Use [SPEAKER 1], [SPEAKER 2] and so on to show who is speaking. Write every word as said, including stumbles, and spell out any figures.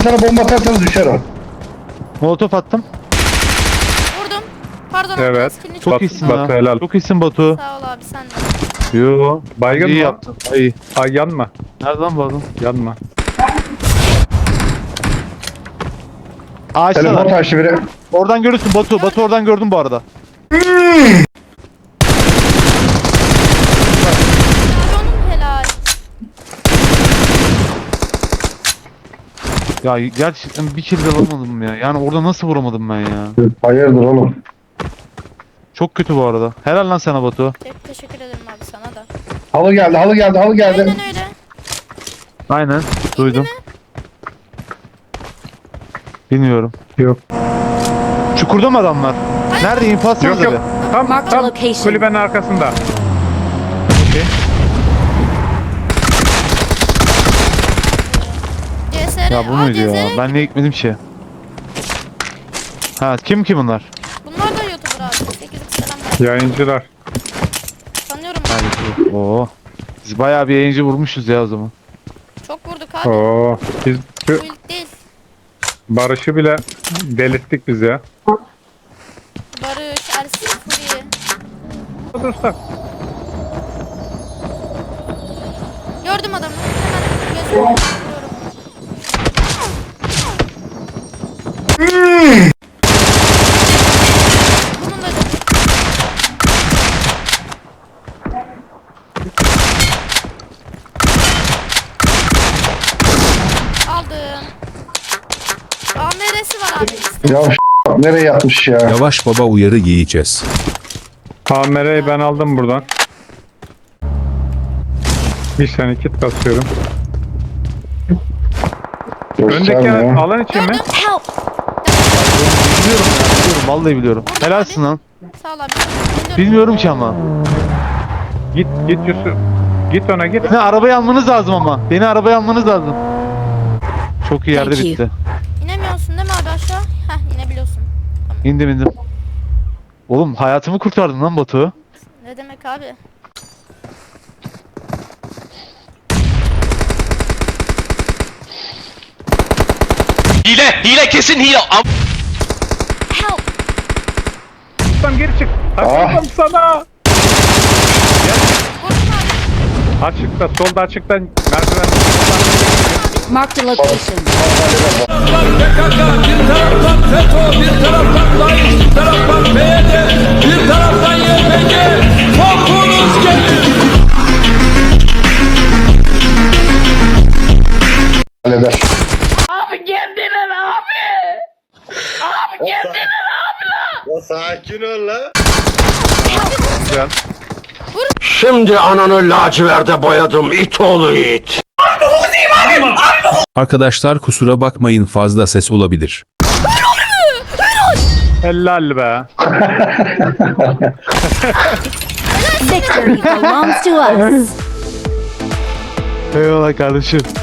[SPEAKER 1] Sana bomba atarsanız düşer o.
[SPEAKER 2] Molotof attım.
[SPEAKER 3] Vurdum. Pardon abi.
[SPEAKER 4] Evet.
[SPEAKER 3] skillini
[SPEAKER 2] Çok
[SPEAKER 4] Batu-
[SPEAKER 2] iyisin
[SPEAKER 4] Batu
[SPEAKER 2] ya.
[SPEAKER 4] helal.
[SPEAKER 2] Çok iyisin Batu.
[SPEAKER 3] Sağ ol abi sen de.
[SPEAKER 2] Yo.
[SPEAKER 4] Baygın
[SPEAKER 2] İyi
[SPEAKER 4] mı?
[SPEAKER 2] yaptın. İyi.
[SPEAKER 4] Ay yanma.
[SPEAKER 2] Nereden buldun?
[SPEAKER 4] Yanma.
[SPEAKER 1] Telefon
[SPEAKER 2] Ağaçtalar.
[SPEAKER 1] taşı biri.
[SPEAKER 2] Oradan görürsün Batu. Batu oradan gördüm bu arada.
[SPEAKER 3] Abi onun helal.
[SPEAKER 2] Ya gerçekten bir kill de alamadım ya. Yani orada nasıl vuramadım ben ya?
[SPEAKER 1] Hayırdır oğlum.
[SPEAKER 2] Çok kötü bu arada. Helal lan sana Batu.
[SPEAKER 3] Te- teşekkür ederim abi sana da.
[SPEAKER 1] Halı geldi, halı geldi, halı geldi.
[SPEAKER 3] Aynen öyle.
[SPEAKER 2] Aynen. Duydum. Bilmiyorum.
[SPEAKER 4] Yok.
[SPEAKER 2] Çukurda mı adamlar? Nerede? İnfaz
[SPEAKER 4] Yok yok. Tam
[SPEAKER 5] Mark the
[SPEAKER 4] tam
[SPEAKER 5] location.
[SPEAKER 4] kulübenin arkasında. Okey.
[SPEAKER 3] C S R.
[SPEAKER 2] Ya bu
[SPEAKER 3] Aa,
[SPEAKER 2] muydu ya?
[SPEAKER 3] C S R.
[SPEAKER 2] Ben niye gitmedim ki? Ha kim ki bunlar?
[SPEAKER 3] Bunlar da YouTuber abi. sekiz selam.
[SPEAKER 4] Yayıncılar.
[SPEAKER 3] Sanıyorum.
[SPEAKER 2] Hadi. Oo. Biz bayağı bir yayıncı vurmuşuz ya o zaman.
[SPEAKER 3] Çok vurduk abi.
[SPEAKER 4] Oo. Biz
[SPEAKER 3] Bu
[SPEAKER 4] şu
[SPEAKER 3] ilk değil.
[SPEAKER 4] Barış'ı bile delirttik biz ya.
[SPEAKER 3] Barış, Ersin, Furi.
[SPEAKER 4] Dursak.
[SPEAKER 3] Gördüm adamı. Hemen gözümü vuruyorum. Bunun da aldım. A M R'si var abi.
[SPEAKER 1] Ya ş- nereye yatmış ya?
[SPEAKER 6] Yavaş baba uyarı yiyeceğiz.
[SPEAKER 4] Kamerayı ben aldım buradan. Bir saniye kit basıyorum. Öndeki
[SPEAKER 1] Göstermiyor.
[SPEAKER 4] alan için mi?
[SPEAKER 5] Help!
[SPEAKER 2] Biliyorum ya. Biliyorum. Vallahi biliyorum. Helalsin lan.
[SPEAKER 3] Sağ ol abi. Bilmiyorum.
[SPEAKER 2] Bilmiyorum ki ama.
[SPEAKER 4] Git git Yusuf. Git ona git.
[SPEAKER 2] Beni arabaya almanız lazım ama. Beni arabaya almanız lazım. Çok iyi yerde
[SPEAKER 5] Thank you.
[SPEAKER 2] bitti.
[SPEAKER 3] İnemiyorsun değil mi abi aşağı? Heh inebiliyorsun.
[SPEAKER 2] İndim indim. Oğlum hayatımı kurtardın lan Batu.
[SPEAKER 3] Ne demek abi?
[SPEAKER 7] Hile, hile kesin hile. Am-
[SPEAKER 5] Help!
[SPEAKER 4] Tam geri çık. Açıktam sana.
[SPEAKER 3] Vurdum abi.
[SPEAKER 4] Açıkta solda açıkta merdiven.
[SPEAKER 5] Mark the location.
[SPEAKER 1] Halleder.
[SPEAKER 4] Güzel.
[SPEAKER 8] Şimdi ananı laciverde boyadım it oğlu it.
[SPEAKER 6] Arkadaşlar kusura bakmayın fazla ses olabilir.
[SPEAKER 4] Helal be.
[SPEAKER 5] Victory belongs to us.
[SPEAKER 2] Eyvallah kardeşim.